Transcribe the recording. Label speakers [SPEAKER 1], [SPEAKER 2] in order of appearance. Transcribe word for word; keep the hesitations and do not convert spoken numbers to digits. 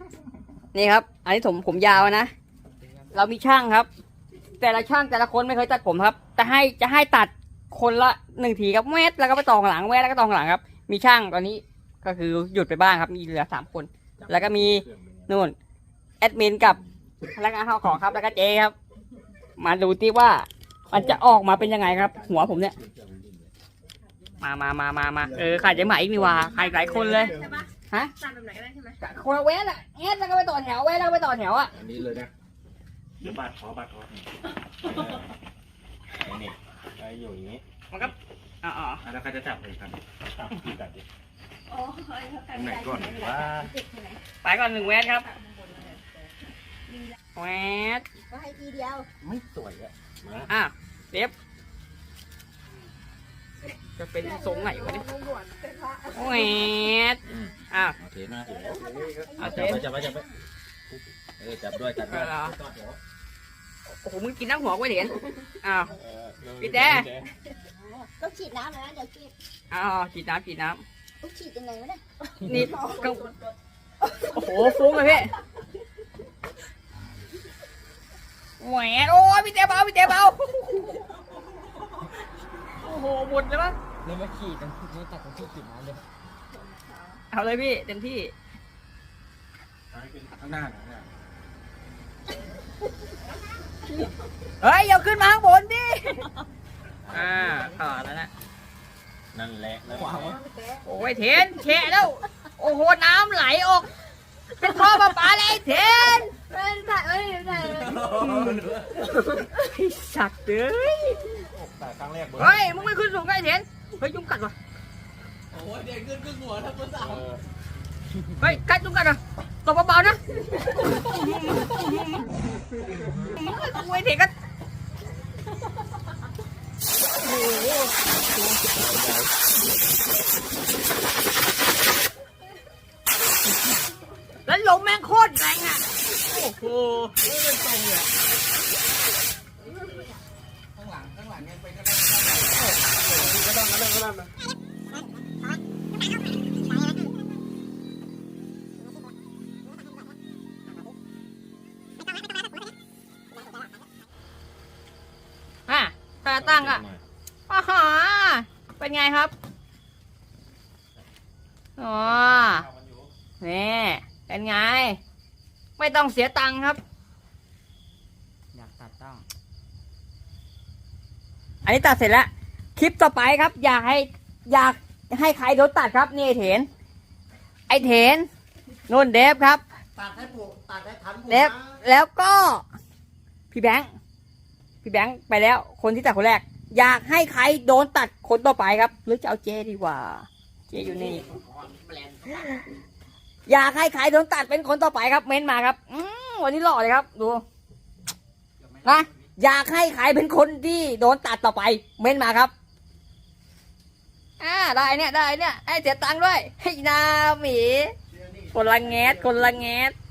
[SPEAKER 1] นี่ครับ อันนี้ผมผมยาวนะเรามีช่างครับ แต่ละช่างแต่ละคนไม่เคยตัดผมครับแต่ให้จะให้ตัดคนละหนึ่งทีครับแวดแล้วก็ไปต่อข้างหลังแวดแล้วก็ต่อข้างหลังครับมีช่างตอนนี้ก็คือหยุดไปบ้างครับมีเหลือสามคนแล้วก็มีนู่นแอดมินกับพนักงานเข้าของครับแล้วก็เจครับมาดูที่ว่ามันจะออกมาเป็นยังไงครับ หัวผมเนี่ยมามามามามาเออขาดใจใหม่อีกนี่ว่าใครหลายคนเลยฮะตัดแบบไหนก็ได้ใช่ไหมคนละแวดอะแอดแล้วก็ไปต่อแถวแวดแล้วก็ไปต่อแถวอะ
[SPEAKER 2] อันนี้เลยนะเดี๋ยวบาดคอบาดคอนี่ไอ้อยู่อย่างนี้
[SPEAKER 1] มันก็อ๋ออ๋อ
[SPEAKER 2] แล้วก็จะจับเลยครับจับที่จับดิไหนก่อนว่า
[SPEAKER 1] ไปก่อนหนึ่งแวดครับแวด
[SPEAKER 3] ก็ให้ทีเดียว
[SPEAKER 2] ไม่สวยอ่ะ
[SPEAKER 1] อ่ะเด็บจะเป็นทรงไหนวะเนี่ยแวดอ่ะ
[SPEAKER 2] โอเคนะเอาจับไปจับไปจับไปเออจับด้วยจับด้วย
[SPEAKER 1] โอ้โหมึงกินน้ำหัวกูเห็นอ้าวพี่แด
[SPEAKER 3] ต้องฉีดน้ำนะเดี๋ยวฉีด
[SPEAKER 1] อ้าวฉีดน้ำฉีดน้
[SPEAKER 3] ำต้องฉีดยังไงวะเนี่ย
[SPEAKER 1] นี่ก็โอ้โหฟุ้งเลยพี่แหวนโอ้ยพี่เต๋เบาพี่เต๋เบาโอ้โหหมดเลยมั้ง
[SPEAKER 4] เลยมาขี่กันนี่ตัดกันที่ขี่น้ำเลย
[SPEAKER 1] เอาเลยพี่เต็มที่
[SPEAKER 2] ข้างหน้าหน่อย
[SPEAKER 1] เฮ้ยอย่าขึ้นมาข้างบนดิอ่าต่อแล้วนะ
[SPEAKER 2] นั่นแหละแล้ว
[SPEAKER 1] โอ้ยเทนแฉะแล้วโอ้โหน้ำไหลออกเป็นท่อประปาเลยเทน
[SPEAKER 3] ไม่ได้ไม่ได้
[SPEAKER 1] สัตว์เอ้ย
[SPEAKER 2] แต่ครั้งแรก
[SPEAKER 1] เฮ้ยมึงไม่ขึ้นสูงไงเทนเฮ้ยยุงกัดวะ
[SPEAKER 4] โอ้ยเด็กขึ้นขึ้นหัวทั้งภาษา
[SPEAKER 1] เฮ้ยกัดยุงกัดอ่ะตบเบาๆนะโอ้ยเทนก็แล้วลมแม่งโคตรแรงอ่ะโอ้โหไม่เป็นตรงเลย
[SPEAKER 4] ข้างหลังข้างหลังยังไปก็ได้
[SPEAKER 2] ก็ได้ก็ได้ก็ได้มา
[SPEAKER 1] อ่ะตาตั้งอ่ะอ๋อฮะเป็นไงครับอ๋อนี่เป็นไงไม่ต้องเสียตังค์ครับอยากตัดต้องอันนี้ตัดเสร็จแล้วคลิปต่อไปครับอยากให้อยากให้ใครโดนตัดครับนี่ไอเถนไอเถนนุ่นเดฟครับ
[SPEAKER 4] ตัดให้ผูกตัดให้ทัน
[SPEAKER 1] เดฟแล้วก็พี่แบงค์พี่แบงค์ไปแล้วคนที่ตัดคนแรกอยากให้ใครโดนตัดคนต่อไปครับหรือจะเอาเจดีกว่าเจอยู่นี่อยากให้ใครโดนตัดเป็นคนต่อไปครับเม้นมาครับอืมวันนี้หล่อเลยครับดูนะอยากให้ใครเป็นคนที่โดนตัดต่อไปเม้นมาครับอ่าได้เนี่ยได้เนี่ยให้เสียตังค์ด้วยให้นาหมีคนละแงสคนละแงส